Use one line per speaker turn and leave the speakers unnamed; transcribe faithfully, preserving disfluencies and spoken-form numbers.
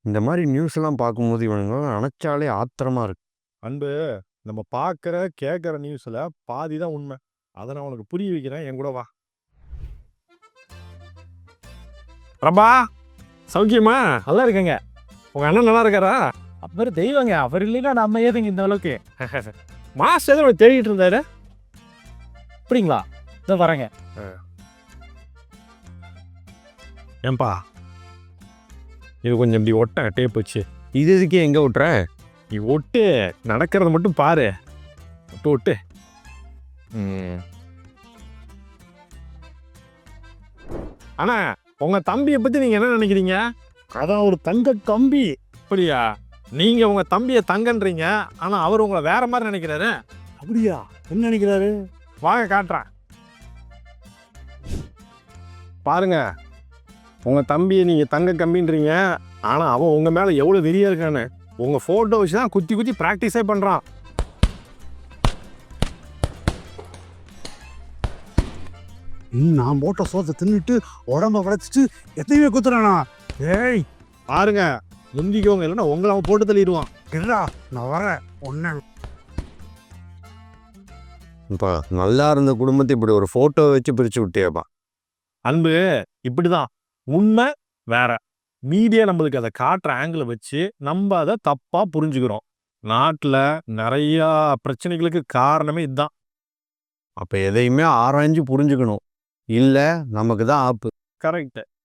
இந்த மாரி நியூஸ்லாம் பார்க்கும்போது இவனுங்கள நெனச்சாலே ஆத்திரமா இருக்கு.
அன்பு, நம்ம பார்க்குற, கேட்குற நியூஸ்ல பாதி தான் உண்மை. அத நான் உனக்கு புரிய வைக்கிறேன். என் கூட வா. பிரபா, சௌக்கியமா? நல்லா இருக்கேங்க. உங்க அண்ணன் நல்லா இருக்காரா?
அவர் தெய்வங்க. அவர் இல்லைன்னா நம்ம ஏதுங்க இந்த அளவுக்கு.
மாஸ்டர் ஏதோ ஒண்ணு தேடிட்டு இருந்தாரு.
அப்படிங்களா? இதோ வரேங்க.
ஏன்பா, இது கொஞ்சம் இப்படி ஒட்ட டேப் வச்சு.
இது எதுக்கு எங்க விட்ற?
நீ ஒட்டு, நடக்கிறத மட்டும் பாரு. ஒட்டு ஒட்டு.
ம்.
அண்ணா, உங்க தம்பியை பத்தி நீங்க என்ன நினைக்கிறீங்க?
அதான் ஒரு தங்க கம்பி.
அப்படியா? நீங்க உங்க தம்பியை தங்கன்றீங்க, ஆனா அவர் உங்களை வேற மாதிரி நினைக்கிறாரு.
அப்படியா? என்ன நினைக்கிறாரு?
வாங்க காட்டுறேன். பாருங்க, உங்க தம்பியை நீங்க தங்க கம்பின்றீங்க, ஆனா அவன் உங்க மேல எவ்வளவு வெறியா இருக்கான்னு உங்க போட்டோ வச்சு தான் குத்தி குத்தி பிராக்டிஸே பண்றான்.
நான் போட்ட சோத்தை தின்னுட்டு உடம்ப வளைச்சிட்டு எத்தையுமே குத்துறானா?
ஏய் பாருங்க, முந்திக்கவங்க இல்லைன்னா உங்களை அவன் போட்டு தள்ளிடுவான்.
இல்லா, நான் வரேன். ஒன்னு
இப்ப நல்லா இருந்த குடும்பத்தை இப்படி ஒரு ஃபோட்டோ வச்சு பிரிச்சு விட்டியேப்பா.
அன்பு இப்படிதான். உண்மை வேற. மீடியா நம்மளுக்கு அதை காட்டுற ஆங்கிளை வச்சு நம்ம அதை தப்பா புரிஞ்சுக்கிறோம். நாட்டில் நிறையா பிரச்சனைகளுக்கு காரணமே இதுதான்.
அப்ப எதையுமே ஆராய்ஞ்சு புரிஞ்சுக்கணும். இல்ல நமக்கு தான் ஆப்பு.
கரெக்ட்.